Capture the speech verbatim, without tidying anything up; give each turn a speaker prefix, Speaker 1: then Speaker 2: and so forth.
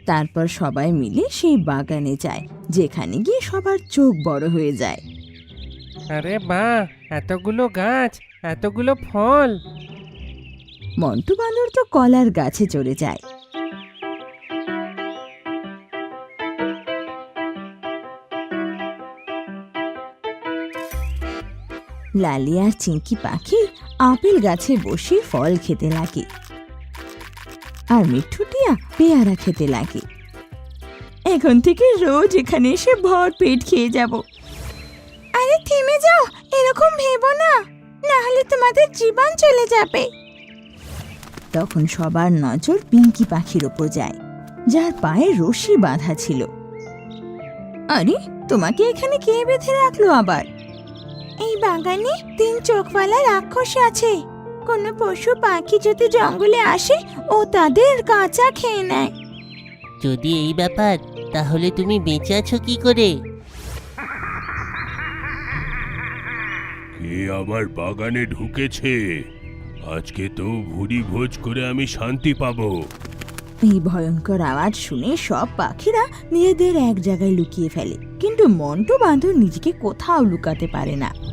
Speaker 1: তারপর সবাই মিলে সেই বাগানে যায়, যেখানে গিয়ে সবার চোখ বড় হয়ে যায়।
Speaker 2: আরে বাহ, এতগুলো গাছ, এতগুলো ফল!
Speaker 1: মন্টু বাঁদর তো কলার গাছে চড়ে যায়। লালি আর চিংকি পাখি আপেল গাছে বসে ফল খেতে লাগে, আর মিঠুটিয়া পেয়ারা খেতে লাগে। এখন থেকে রোজ এখানে এসে ভর পেট খেয়ে যাব। আরে থেমে যাও, এরকম ভেবো না, না হলে তোমাদের জীবন চলে যাবে। তখন সবার নজর পিঙ্কি পাখির ওপর যায়, যার পায়ে রশি বাঁধা ছিল। আরে তোমাকে এখানে কে বেঁধে রাখলো আবার? এই বাগানে তিন চোখওয়ালা রাক্ষস আছে, কোনো পশু পাখি যদি জঙ্গলে আসে ও তাদের কাঁচা খেয়ে নেয়।
Speaker 3: যদি এই ব্যাপার, তাহলে তুমি বেঁচে আছো কি করে?
Speaker 4: কে আমার বাগানে ঢুকেছে? আজকে তো ভুরি ভোজ করে আমি শান্তি পাবো।
Speaker 1: এই ভয়ঙ্কর আওয়াজ শুনে সব পাখিরা নিজেদের এক জায়গায় লুকিয়ে ফেলে, কিন্তু মন্টু বাঁদর নিজেকে কোথাও লুকাতে পারে না।